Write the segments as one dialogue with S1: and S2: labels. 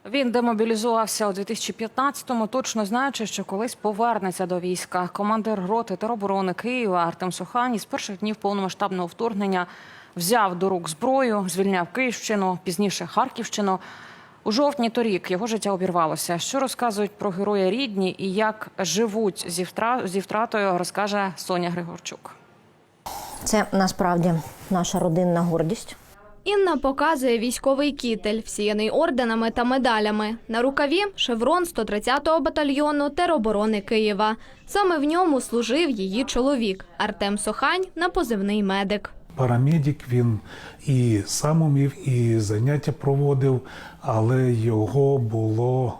S1: Він демобілізувався у 2015-му, точно знаючи, що колись повернеться до війська. Командир роти тероборони Києва Артем Сохань із перших днів повномасштабного вторгнення взяв до рук зброю, звільняв Київщину, пізніше Харківщину. У жовтні торік його життя обірвалося. Що розказують про героя рідні і як живуть зі втратою, розкаже Соня Григорчук.
S2: Це насправді наша родинна гордість.
S3: Інна показує військовий кітель, всіяний орденами та медалями. На рукаві – шеврон 130-го батальйону тероборони Києва. Саме в ньому служив її чоловік – Артем Сохань на позивний «Медик».
S4: Парамедик, він і сам умів, і заняття проводив, але його було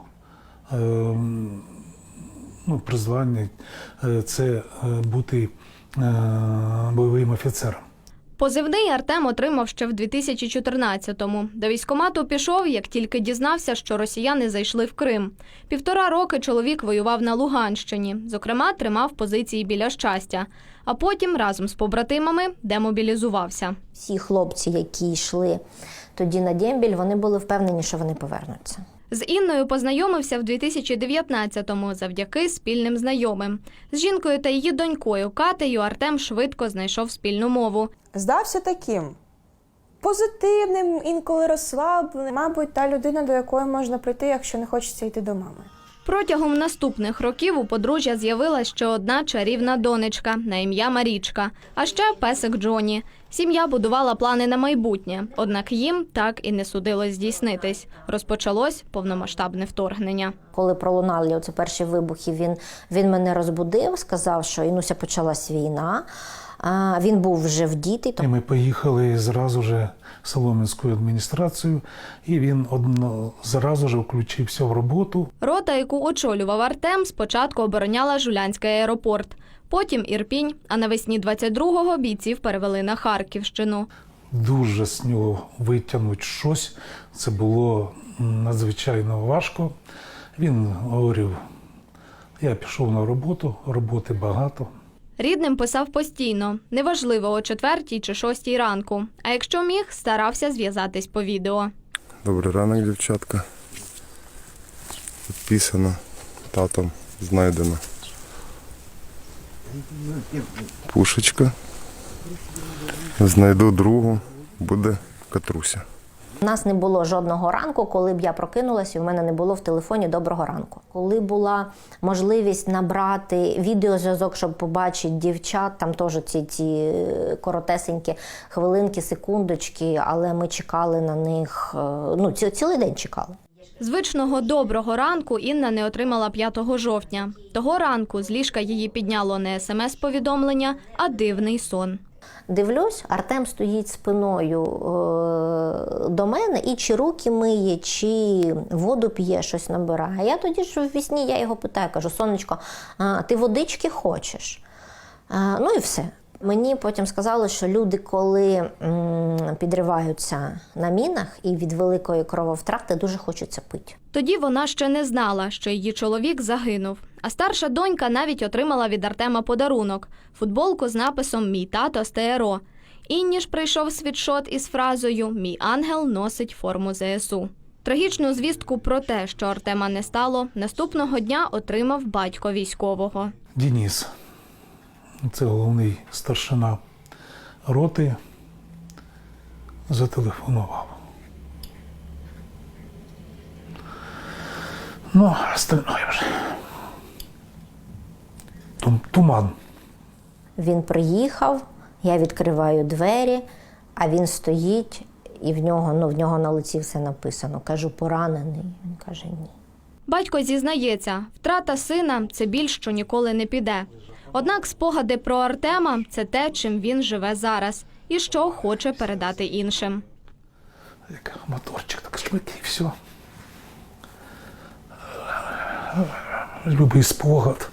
S4: призвання – це бути бойовим офіцером.
S3: Позивний Артем отримав ще в 2014-му. До військкомату пішов, як тільки дізнався, що росіяни зайшли в Крим. 1,5 роки чоловік воював на Луганщині. Зокрема, тримав позиції біля Щастя. А потім разом з побратимами демобілізувався.
S2: Всі хлопці, які йшли тоді на дембіль, вони були впевнені, що вони повернуться.
S3: З Інною познайомився в 2019-му завдяки спільним знайомим. З жінкою та її донькою Катею Артем швидко знайшов спільну мову.
S5: Здався таким позитивним, інколи розслабленим. Мабуть, та людина, до якої можна прийти, якщо не хочеться йти до мами.
S3: Протягом наступних років у подружжя з'явилася ще одна чарівна донечка на ім'я Марічка, а ще песик Джоні. Сім'я будувала плани на майбутнє, однак їм так і не судилось здійснитись. Розпочалось повномасштабне вторгнення.
S2: Коли пролунали оці перші вибухи, він мене розбудив, сказав, що Інуся, почалась війна. Він був вже вдітий.
S4: І ми поїхали зразу ж в Солом'янську адміністрацію, і він зразу ж включився в роботу.
S3: Рота, яку очолював Артем, спочатку обороняла Жулянський аеропорт, потім Ірпінь, а навесні 22-го бійців перевели на Харківщину.
S4: Дуже з нього витягнути щось, це було надзвичайно важко. Він говорив, я пішов на роботу, роботи багато.
S3: Рідним писав постійно, неважливо о 4 чи 6 ранку. А якщо міг, старався зв'язатись по відео.
S6: Добрий ранок, дівчатка. Підписано, татом знайдено. Пушечка. Знайду другу, буде Катруся.
S2: У нас не було жодного ранку, коли б я прокинулася, і в мене не було в телефоні «Доброго ранку». Коли була можливість набрати відеозв'язок, щоб побачити дівчат, там теж ці коротесенькі хвилинки, секундочки, але ми чекали на них, цілий день чекали.
S3: Звичного «доброго ранку» Інна не отримала 5 жовтня. Того ранку з ліжка її підняло не смс-повідомлення, а дивний сон.
S2: Дивлюсь, Артем стоїть спиною до мене і чи руки миє, чи воду п'є, щось набирає. А я тоді ж в вісні, я його питаю, кажу, сонечко, ти водички хочеш? Ну і все. Мені потім сказали, що люди, коли підриваються на мінах і від великої крововтрати, дуже хочеться пити.
S3: Тоді вона ще не знала, що її чоловік загинув. А старша донька навіть отримала від Артема подарунок – футболку з написом «Мій тато з ТРО». Інні ж прийшов світшот із фразою «Мій ангел носить форму ЗСУ». Трагічну звістку про те, що Артема не стало, наступного дня отримав батько військового.
S4: Денис, це головний старшина роти, зателефонував. Ну, остальное вже. Туман.
S2: Він приїхав, я відкриваю двері, а він стоїть, і в нього на лиці все написано. Кажу, поранений. Він каже, ні.
S3: Батько зізнається, втрата сина – це біль, що ніколи не піде. Однак спогади про Артема – це те, чим він живе зараз і що хоче передати іншим.
S4: Як моторчик, так швидкий, і все. Любий спогад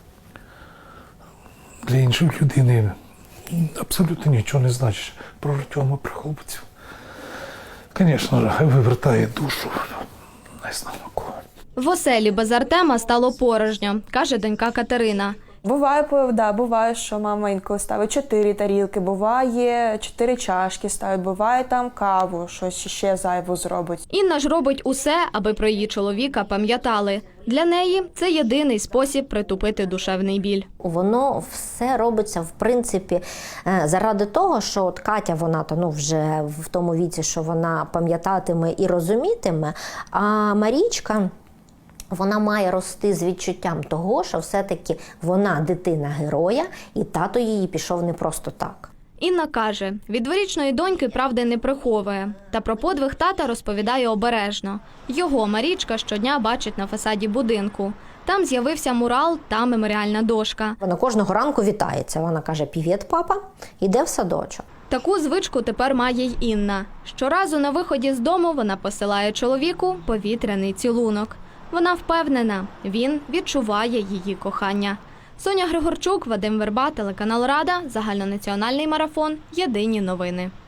S4: для іншої людини абсолютно нічого не значить про Артема, про хлопців. Звісно, хай вивертає душу, не знаю на кого.
S3: В оселі без Артема стало порожньо, каже донька Катерина.
S5: Буває, що мама інколи ставить 4 тарілки, буває 4 чашки ставить, буває там каву, щось ще зайву зробить.
S3: Інна ж робить усе, аби про її чоловіка пам'ятали. Для неї це єдиний спосіб притупити душевний біль.
S2: Воно все робиться, в принципі, заради того, що от Катя, вона вже в тому віці, що вона пам'ятатиме і розумітиме, а Марічка, вона має рости з відчуттям того, що все-таки вона дитина героя, і тато її пішов не просто так.
S3: Інна каже, від дворічної доньки правди не приховує. Та про подвиг тата розповідає обережно. Його Марічка щодня бачить на фасаді будинку. Там з'явився мурал та меморіальна дошка.
S2: Вона кожного ранку вітається. Вона каже: «Привіт, папа», іде в садочок.
S3: Таку звичку тепер має й Інна. Щоразу на виході з дому вона посилає чоловіку повітряний цілунок. Вона впевнена, він відчуває її кохання. Соня Григорчук, Вадим Верба, телеканал Рада, загальнонаціональний марафон, єдині новини.